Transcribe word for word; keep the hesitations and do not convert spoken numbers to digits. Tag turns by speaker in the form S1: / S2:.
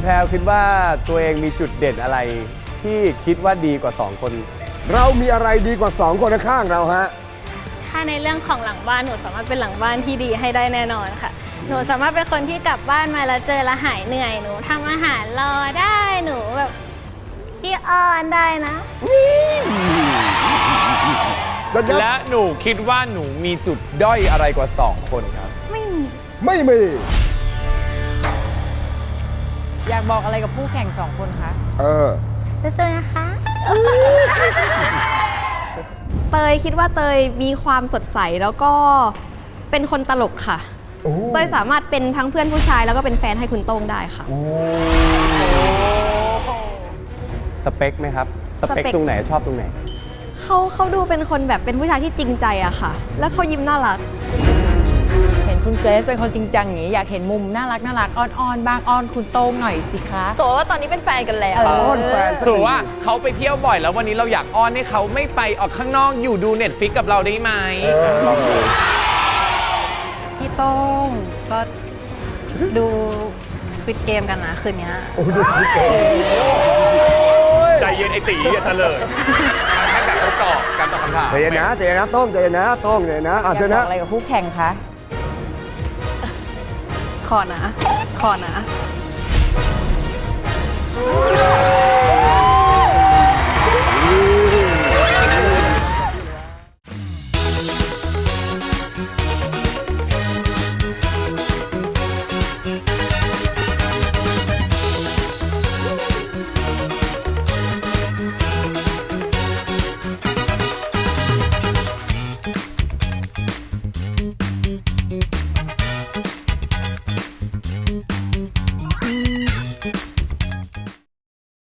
S1: แพรวคิดว่าตัวเองมีจุดเด่นอะไรที่คิดว่าดีกว่าสองคน
S2: เรามีอะไรดีกว่าสองคนข้างเราฮะ
S3: ถ้าในเรื่องของหลังบ้านหนูสามารถเป็นหลังบ้านที่ดีให้ได้แน่นอนค่ะหนูสามารถเป็นคนที่กลับบ้านมาแล้วเจอแล้วหายเหนื่อยหนูทำอาหารรอได้หนูแบบขี้อ้อนได้นะ
S4: และหนูคิดว่าหนูมีจุดด้อยอะไรกว่าสองคนครับ
S3: ไม่มี
S2: ไม่มี
S5: อยากบอกอะไรกับผู้แข่งสองคนคะ
S2: เออ
S3: สู้ๆนะคะ
S6: เตยคิดว่าเตยมีความสดใสแล้วก็เป็นคนตลกค่ะเตยสามารถเป็นทั้งเพื่อนผู้ชายแล้วก็เป็นแฟนให้คุณโต้งได้ค่ะ
S1: สเปคไหมครับสเปคตรงไหนชอบตรงไหน
S6: เขาเขาดูเป็นคนแบบเป็นผู้ชายที่จริงใจอะค่ะแล้วเขายิ้มน่ารัก
S5: เห็นคุณเกรซเป็นคนจริงจังอย่างนี้อยากเห็นมุมน่ารักน่ารักอ้อนๆบ้างอ้อนคุณโต้งหน่อยสิคะ
S6: โสว่าตอนนี้เป็นแฟนกันแล้ว
S2: อ้อนแฟน
S4: ถือว่าเขาไปเที่ยวบ่อยแล้ววันนี้เราอยากอ้อนให้เขาไม่ไปออกข้างนอกอยู่ดูเน็ตฟิกกับเราได้ไหม
S1: ลองดู
S7: พี่โต้งก็ดูสวิตเกมกันนะคืนนี้
S2: โอ้ดูสวิตเกม
S4: ใจเย็นไอตีอย่าเฉลยแค่แบบทดสอบการตอบคำถาม
S2: ใจเย็นนะใจเย็นนะโต้งใจเย็นนะโต้งใจเย็นนะ
S5: อยากบอกอะไรกับผู้แข่งคะ
S7: ขอนะขอนะ